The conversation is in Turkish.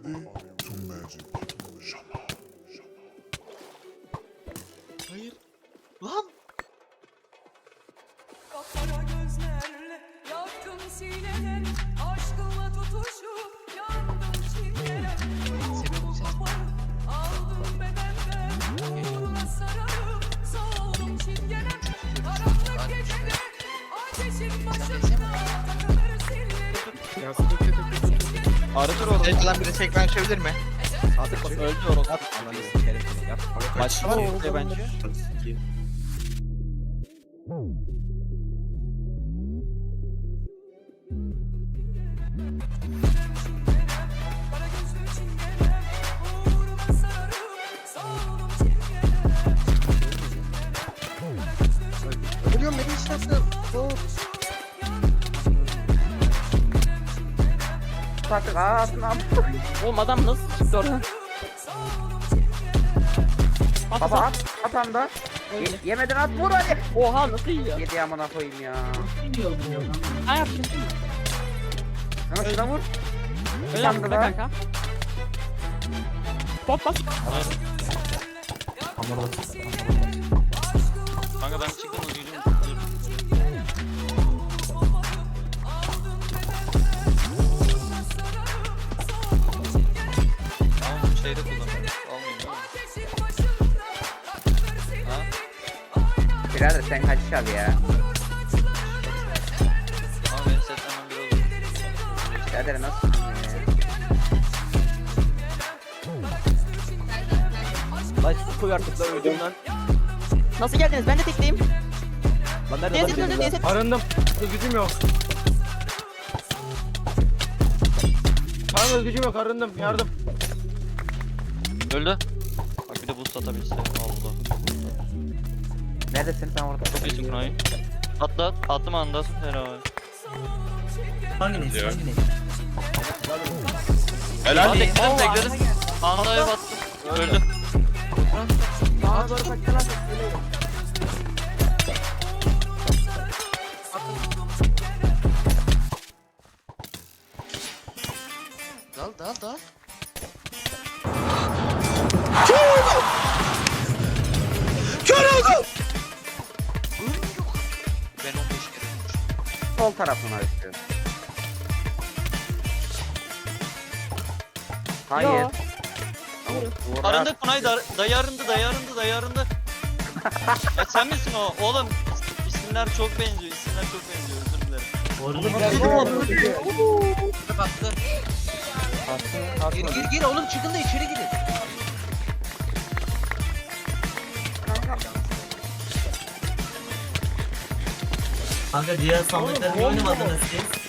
to magic. Shama. Hayır. Lan. Kapkara gözlerle yaktım sineler, aşkınla tutuşup yandım çingeler. Ruhumu koparıp aldım bedenden, uğruna sararıp soğudum çingeler. Karanlık gecede ateşin başında takılır sillerim. Aratır oğlum. Tek lan biri tek ben açabilir mi? Artık bak öldü orası. Başka var mı bence? Kara gözlü çingeler, uğruna sararıp soğudum çingeler. Ölüyorum beni işlersin. Artık ağzına. Oğlum adam nasıl çıktı oradan? Baba at anda. Yemeden at vur hadi. Oha nasıl yiyor? Yedi amına koyayım ya. Ha yaptın. Ama şuna vur. Öyle yaptın be kanka. Bot bas. Kanka ben çıktım o gücüm. Tamam şeyde kullanıyorum. Almayayım değil mi? Ha? Birader sen kaç abi ya. Ama benim setlemem bir olur. Birader nasıl ya? Lan su koy artık lan öldüm lan. Nasıl geldiniz? Ben de tekleyim. Lan nerede Deniz lan? öldü Deniz. Arındım. Gücüm yok. Kanka gücüm yok arındım yardım. Öldü. Bak bir de boost atabilirse. Allah. Neredesin sen orada? Çok iyisin Kunay. Atla. Attım anda. Helal. Helal. Tekledim. Andaya battım. Öldü. Bana doğru kaçtı lan. Dal. Ben 15 kere vurmuşum. Sol tarafına istiyorum. Hayır. Yo. Uğur Arındı Kunay dayı arındı. Ya sen misin o? Oğlum isimler çok benziyor. Özür dilerim. Baktı. Gir oğlum çıkın da içeri girin. Kanka diğer sandıkları oynamadınız siz.